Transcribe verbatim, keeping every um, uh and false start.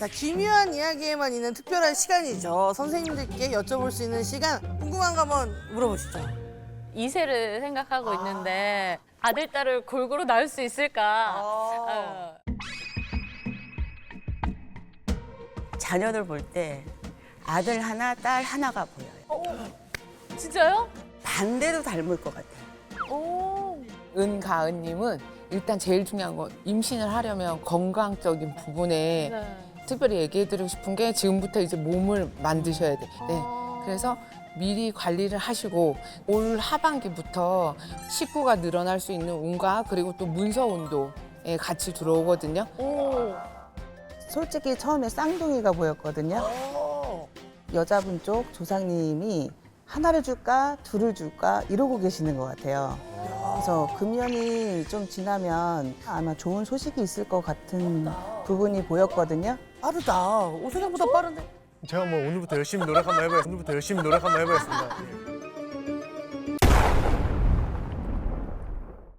자, 기묘한 이야기에만 있는 특별한 시간이죠. 선생님들께 여쭤볼 수 있는 시간. 궁금한 거 한번 물어보시죠. 이 세를 생각하고 있는데 아들, 딸을 골고루 낳을 수 있을까? 어. 어. 자녀들 볼 때 아들 하나, 딸 하나가 보여요. 어, 진짜요? 반대로 닮을 것 같아요. 오. 은가은님은 일단 제일 중요한 건 임신을 하려면 건강적인 부분에 네. 특별히 얘기해드리고 싶은 게 지금부터 이제 몸을 만드셔야 돼. 네. 그래서 미리 관리를 하시고 올 하반기부터 식구가 늘어날 수 있는 운과 그리고 또 문서 운도에 같이 들어오거든요. 오. 솔직히 처음에 쌍둥이가 보였거든요. 어. 여자분 쪽 조상님이 하나를 줄까 둘을 줄까 이러고 계시는 것 같아요. 그래서 금년이 좀 지나면 아마 좋은 소식이 있을 것 같은 부분이 보였거든요. 빠르다. 오, 생각보다 빠른데. 제가 뭐 오늘부터 열심히 노력 한번 해보겠습니다. 오늘부터 열심히 노력 한번 해보겠습니다. 예.